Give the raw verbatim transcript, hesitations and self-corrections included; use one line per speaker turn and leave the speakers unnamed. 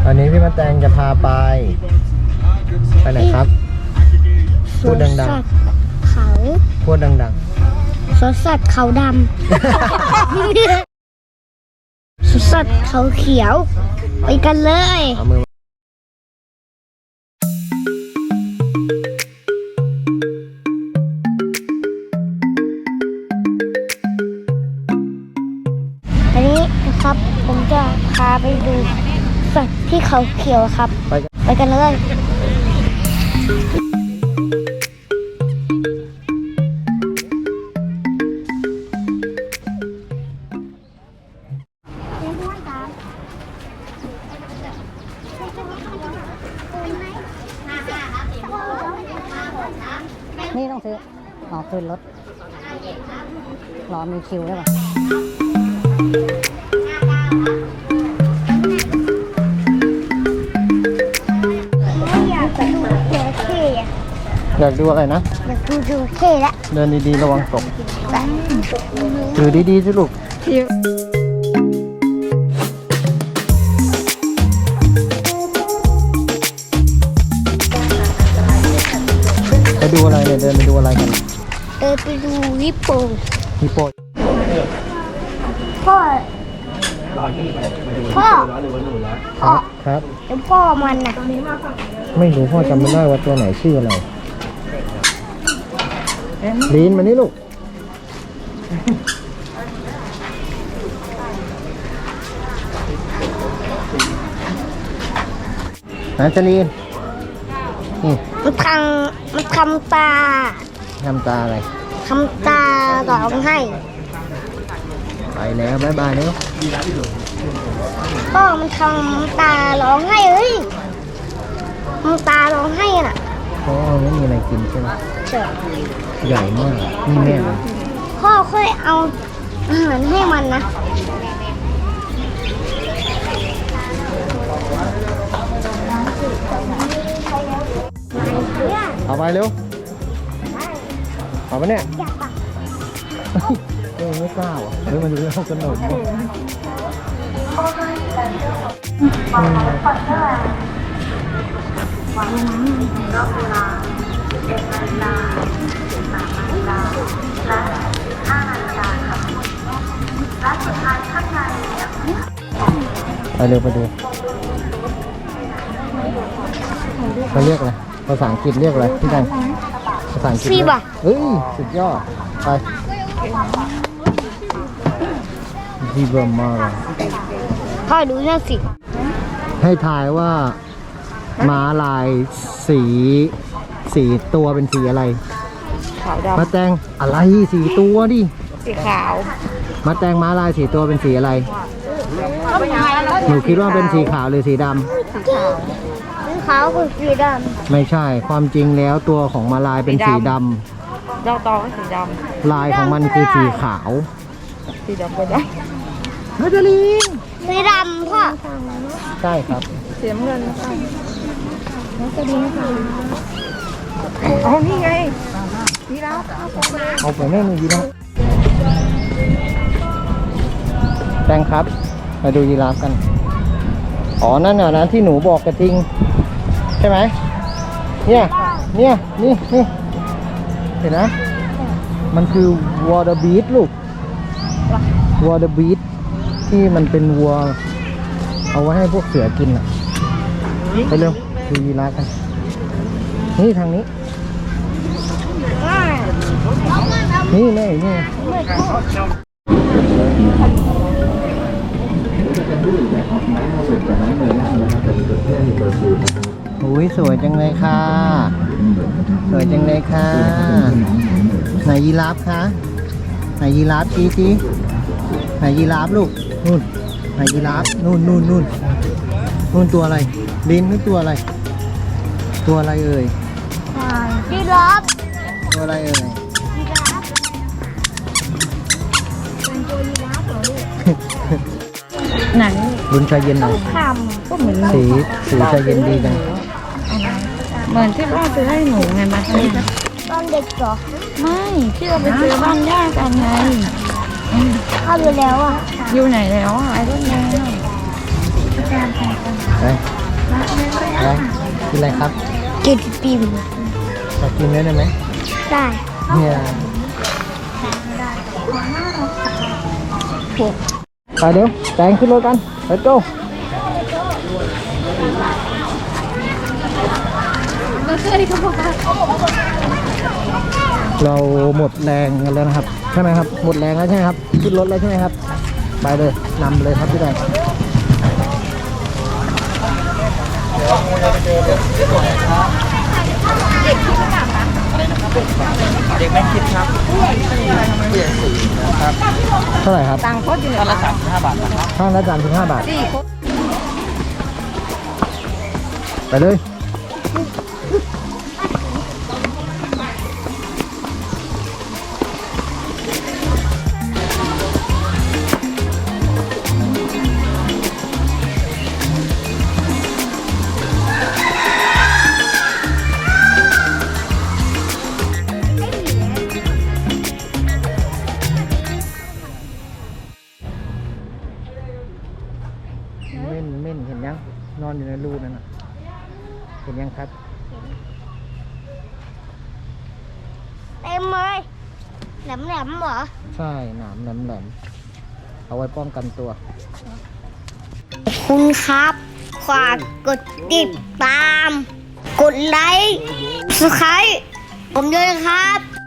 อันนี้พี่มาแตงจะพาไปไปไหนครับพูดดังๆ
เขา
พูดดัง
ๆสวนสัตว์เขาดำสวนสัตว์เขาเขียวไปกันเลย
เอามือ
อันนี้นะครับผมจะพาไปดูสัตว์ที่เขาเขียวครับ
ไปกัน
ไปกันเลย
นี่ต้องซื้ออ๋อคืนรถรอมีคิวได้ป่ะ
อยากดูจระเข้อะ
อยากดูอะไรนะ
อยากดูจระเข้ละ
เดินดีๆระวังตกถือดีๆสิลูกไปดูอะไรเนี่ยเดินไปดูอะไรกัน
เดินไปดูฮิปโป
ฮิปโป
พ่อพ่อพ่อ
ครับ
แล้วพ่อมันน่ะ
ไม่รู้พ่อจำไม่ได้ว่าตัวไหนชื่ออะไรลีนมานี่ลูกนะจลีนนี่
มันทำมันทำตา
ทำตาอะไร
ทำตาร้องให้
ไปแล้วบ๊ายบายเนาะ
พ่อมันทำตาร้องให้เฮ้ยทำตาร้องให้น่ะ
พ่อไม่มีอะไรกินใช่ไหม
เจ๋อ
ใหญ่มากนี่แม่เลย
พ่อค่อยเอาอาหารให้มันนะเนี่ย
เอาไปเร็วเอาไปเนี่ย
อยากปะ
เออไม่กล้าอ่ะเฮ้ยมันดูแล้วขนมไปเร็วไปดูเขาเรียกอะไรภาษาอังกฤษเรียกอะไรพี่ดังภาษาอังกฤษ
ซีบะ
เฮ้ยสุดยอดไปซีบะมาเลย
พ่อดูนั่นสิ
ให้ทายว่าม้าลายสีสีตัวเป็นสีอะไร
ขาวด
มาแตงอะไรสีตัวดิ
ำสีขาว
มาแตงม้าลายสีตัวเป็นสีอะไรหนูคิดว่าเป็นสีขาวหรือสีดำ
สีขาว
สีขาวคือสีด
ไม่ใช่ความจริงแล้วตัวของม้าลายเป็นสีดำ
เจ้าตองก็สีด
ลายของมันคือสีขาว
ำสีดำก็ได้
ฮัจลีน
ำสีดำพ่อ
ใช่ครับ
สีน้ำเงินอ๋อนี่ไงนี่แล้ว
เอาไปแม่มือยีราฟแตงครับมาดูยีราฟกันอ๋อนั่นน่ะนะที่หนูบอกกระทิงใช่ไหมเนี่ยเนี่ยนี่นี่เห็นนะมันคือ water beet ลูก water beet ที่มันเป็นวัวเอาไว้ให้พวกเสือกินอ่ะไปเร็วดูยีราฟกันนี่ทางนี้นี่แม่นี่โอ้ยสวยจังเลยค่ะสวยจังเลยค่ะไหนยีราฟคะไหนยีราฟจีจีไหนยีราฟลูกนู่นไหนยีราฟนู่นนู่นนู่นนู่นตัวอะไรลิ้นนี่ตัวอะไรตัวอะไรเอ่ย
ยีราฟ
ตัวอะไรเอ่ย
ยีราฟเป็นตัวยีราฟเหรอลูก
ไหน
ลุ้นใจเย็นหน่อย
ค
ก็เหมือน
สีสีใจเย็นดีจัง
เหมือนที่พ่อซื้อให้หนูไงมาซื้อ
ำตอนเด็กเหรอ
ไม่ที่เราไปซื้อบ้านย่ากันไง
เข้าไปแล้วอ่ะ
อยู่ไหนแล้วอ่ะไอ้ต้นแดง
ไปไปกินอะไรครับ
กินปิม
ขอกินได้ไหม
ได้
เนี่ยไปเดี๋ยวแตงขึ้นรถกันไปโจ้เราหมดแรงกันแล้วนะครับใช่ไหมครับหมดแรงแล้วใช่ไหมครับขึ้นรถแล้วใช่ไหมครับไปเลยนำเลยครับพี่แดงเด็กไม่คิดครับเท่าไหร่ครับตังค์ก็อยู่ละสามสิบห้าบาทนะครับข้างละสามสิบห้าบาทไปเลยเม่นเม่นเห็นยังนอนอยู่ในรูนั่นน่ะเห็นยังครับ
เต็มเลยแหลมแหลมๆเหรอ
ใช่หนามแหลมๆเอาไว้ป้องกันตัว
ขอบคุณครับฝากกดติดตาม กดไลค์สไครต์ผมด้วยนะครับ